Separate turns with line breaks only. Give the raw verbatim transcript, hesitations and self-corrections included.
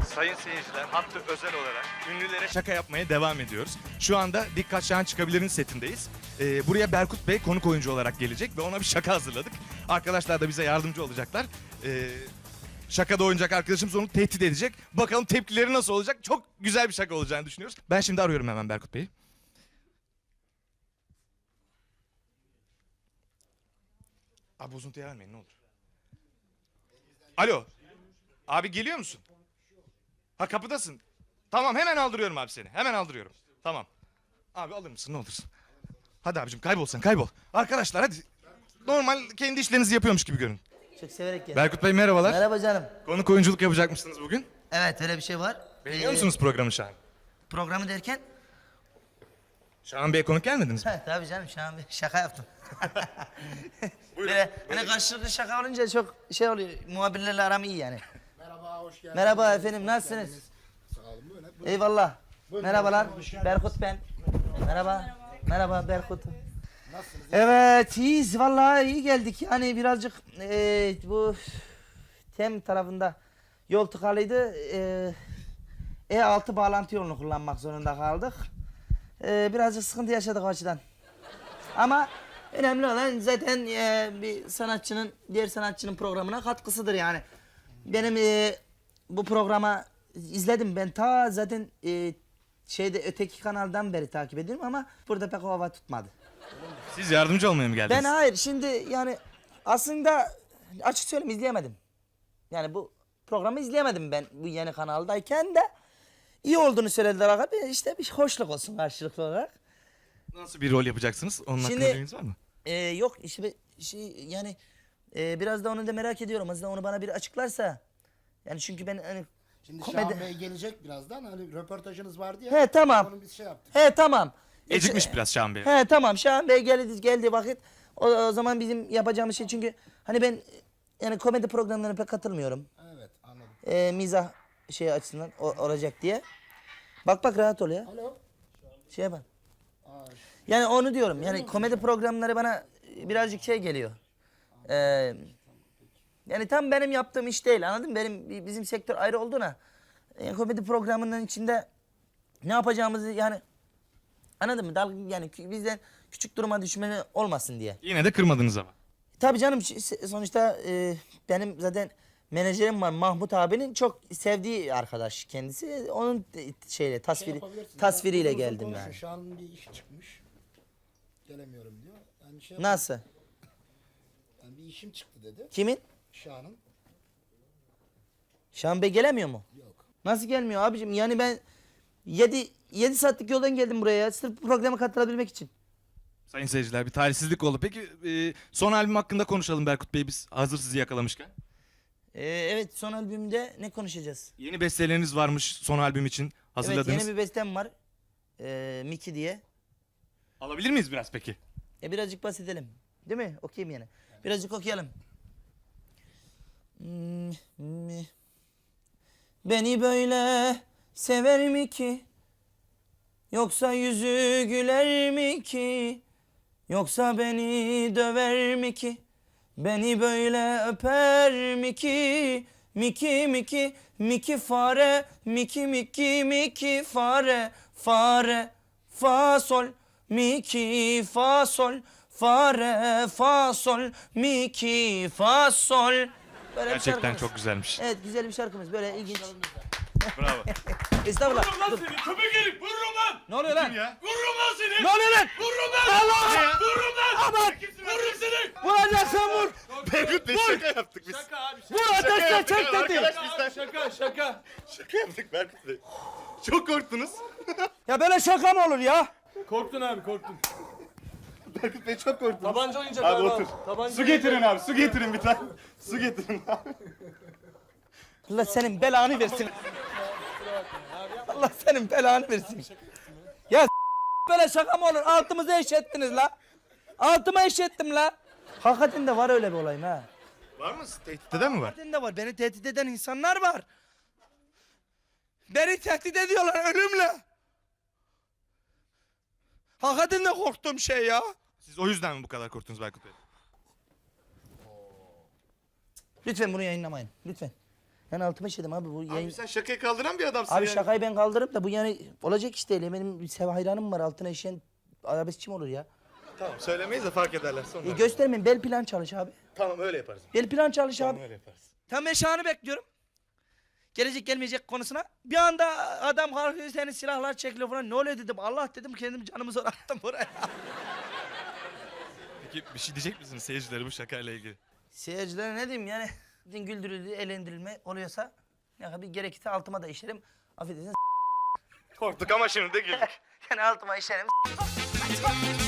Sayın seyirciler, hatta özel olarak ünlülere şaka yapmaya devam ediyoruz. Şu anda Dikkat Şahan Çıkabilir'in setindeyiz. Ee, buraya Berkut Bey konuk oyuncu olarak gelecek ve ona bir şaka hazırladık. Arkadaşlar da bize yardımcı olacaklar. Ee, şakada oynayacak arkadaşımız onu tehdit edecek. Bakalım tepkileri nasıl olacak? Çok güzel bir şaka olacağını düşünüyoruz. Ben şimdi arıyorum hemen Berkut Bey'i. Abi bozuntuya vermeyin ne olur. Alo. Abi geliyor musun? Ha kapıdasın. Tamam hemen aldırıyorum abi seni. Hemen aldırıyorum. Tamam. Abi alır mısın ne olursun. Hadi abicim kaybol sen kaybol. Arkadaşlar hadi. Normal kendi işlerinizi yapıyormuş gibi görün.
Çok severek geldim.
Berkut Bey merhabalar.
Merhaba canım.
Konuk oyunculuk yapacakmışsınız bugün.
Evet öyle bir şey var.
Beğeniyor
Ee,
musunuz programı Şahan?
Programı derken?
Şahan Bey'e konuk gelmediniz mi?
He tabii canım şu an bir şaka yaptım. Böyle hani karşılıklı şaka olunca çok şey oluyor. Muhabirlerle aram iyi yani.
Merhaba, hoş geldiniz.
Merhaba efendim nasılsınız?
Sağ olun, buyurun. buyurun.
Eyvallah.
Buyurun,
Merhabalar.
hoş geldiniz.
Berkut ben. Merhaba. Merhaba Berkut.
Nasılsınız?
Evet iyiyiz vallahi iyi geldik. Yani birazcık eee, bu Tem tarafında yol tıkalıydı. Eee E altı bağlantı yolunu kullanmak zorunda kaldık. Eee birazcık sıkıntı yaşadık o açıdan. Ama önemli olan zaten eee, bir sanatçının diğer sanatçının programına katkısıdır yani. Benim eee, bu programa izledim ben ta zaten eee, şeyde öteki kanaldan beri takip ediyorum ama burada pek o hava tutmadı.
Siz yardımcı olmaya mı geldiniz?
Ben hayır şimdi yani aslında açık söyleyeyim izleyemedim. Yani bu programı izleyemedim ben bu yeni kanaldayken de iyi olduğunu söylediler abi. İşte bir hoşluk olsun karşılıklı olarak.
Nasıl bir rol yapacaksınız? Onun
Şimdi-
hakkında bilginiz var mı?
Ee, yok işte şey yani e, biraz da onu da merak ediyorum. Aslında onu bana bir açıklarsa. Yani çünkü ben hani
Şimdi
komedi-
Şahan Bey gelecek birazdan. Hani röportajınız vardı ya.
He tamam.
Onun biz şey yaptık.
He tamam.
Ecikmiş biraz Şahan Bey.
He tamam Şahan Bey geldi geldi vakit. O, o zaman bizim yapacağımız şey çünkü hani ben yani komedi programlarına pek katılmıyorum.
Evet, anladım.
Ee, mizah şey açısından o- olacak diye. Bak bak rahat ol ya.
Alo.
Şey bak.
Aa,
Yani onu diyorum. Yani komedi programları bana birazcık şey geliyor. Ee, yani tam benim yaptığım iş değil anladın mı? Benim bizim sektör ayrı olduğuna. Yani komedi programının içinde ne yapacağımızı yani anladın mı? Dalga yani kü- bizden küçük duruma düşme olmasın diye.
Yine de kırmadınız ama.
Tabii canım ş- sonuçta e, benim zaten menajerim var Mahmut abinin çok sevdiği arkadaş kendisi. Onun de- şeyle
şey
tasviri
yapabilirsiniz.
tasviriyle
Yani uzun
geldim
konuşun.
yani.
Şahan'ın bir işi çıkmış. Gelemiyorum diyor. Yani şey
Nasıl?
Yani bir işim çıktı dedi.
Kimin?
Şahan'ın.
Şahan Bey gelemiyor mu?
Yok.
Nasıl gelmiyor abicim? Yani ben yedi yedi saatlik yoldan geldim buraya sırf bu programa katılabilmek için.
Sayın seyirciler bir talihsizlik oldu. Peki e, son albüm hakkında konuşalım Berkut Bey biz hazır sizi yakalamışken.
Ee, evet son albümde ne konuşacağız?
Yeni besteleriniz varmış son albüm için hazırladınız.
Evet yeni bir bestem var. Ee, Miki diye.
Alabilir miyiz biraz peki?
E birazcık bahsedelim. Değil mi? Okuyayım yani. Birazcık okuyalım. Hmm, mi? Beni böyle sever mi ki? Yoksa yüzü güler mi ki? Yoksa beni döver mi ki? Beni böyle öper mi ki? Miki miki miki fare miki miki miki fare fare fa sol miki fa sol fare fa sol miki fa sol. Böyle bir
Gerçekten
şarkımız.
çok güzelmiş.
Evet güzel bir şarkımız böyle ilginç.
Bravo.
Estağfurullah.
Vururum lan
Dur.
seni köpek herif vururum lan.
Ne oluyor lan?
ya?
Vururum lan seni.
Ne oluyor lan?
Vururum lan.
Allah!
Vururum lan.
Aman!
Vururum seni.
Vuracaksan vur.
Berkut Bey şaka yaptık biz.
Şaka abi şaka.
Vur ateşle çek dedi.
Arkadaş
Şaka abi, şaka şaka.
Şaka yaptık Berkut Bey. Çok korktunuz.
Ya böyle şaka mı olur ya?
Korktun abi korktun.
Berkut Bey çok korktunuz.
Tabanca oyuncak
Abi
abi.
otur.
Tabanca
Su getirin abi su getirin bir tane. Su getirin abi.
Allah senin belanı versin. Allah senin belanı versin. Ya s- böyle şaka mı olur? Altımızı eşettiniz la. Altıma eşettim la. Hakikaten de var öyle bir olayım ha.
Var mı? Tehdit eden mi var?
Hakikaten de var. Beni tehdit eden insanlar var. Beni tehdit ediyorlar ölümle. Hakikaten de korktuğum şey ya.
Siz o yüzden mi bu kadar korktunuz Berkut Bey?
Lütfen bunu yayınlamayın. Lütfen. Yani altıma işedim abi bu yayın.
Abi sen şakayı kaldıran bir adamsın
Abi
yani.
şakayı ben kaldırıp da bu yani olacak iş değil. Benim bir sev hayranım var altına işeyen arabeskçi mi olur ya?
Tamam söylemeyiz de fark ederler sonra.
E, göstermeyin bel plan çalış abi.
Tamam öyle yaparız.
Bel plan çalış
Tamam
abi.
öyle yaparız.
Tam ben Şahan'ı bekliyorum. Gelecek gelmeyecek konusuna. Bir anda adam kalkıyor senin silahlar çekiliyor falan. Ne oluyor dedim. Allah dedim kendim canımı zor attım buraya.
Peki bir şey diyecek misiniz seyircilere bu şakayla ilgili?
Seyircilere ne diyeyim yani. Güldürüldü, eğlendirilme oluyorsa ya bir gerekirse altıma da işerim. Affedersiniz.
Korktuk ama şimdi de güldük.
Yani altıma işerim.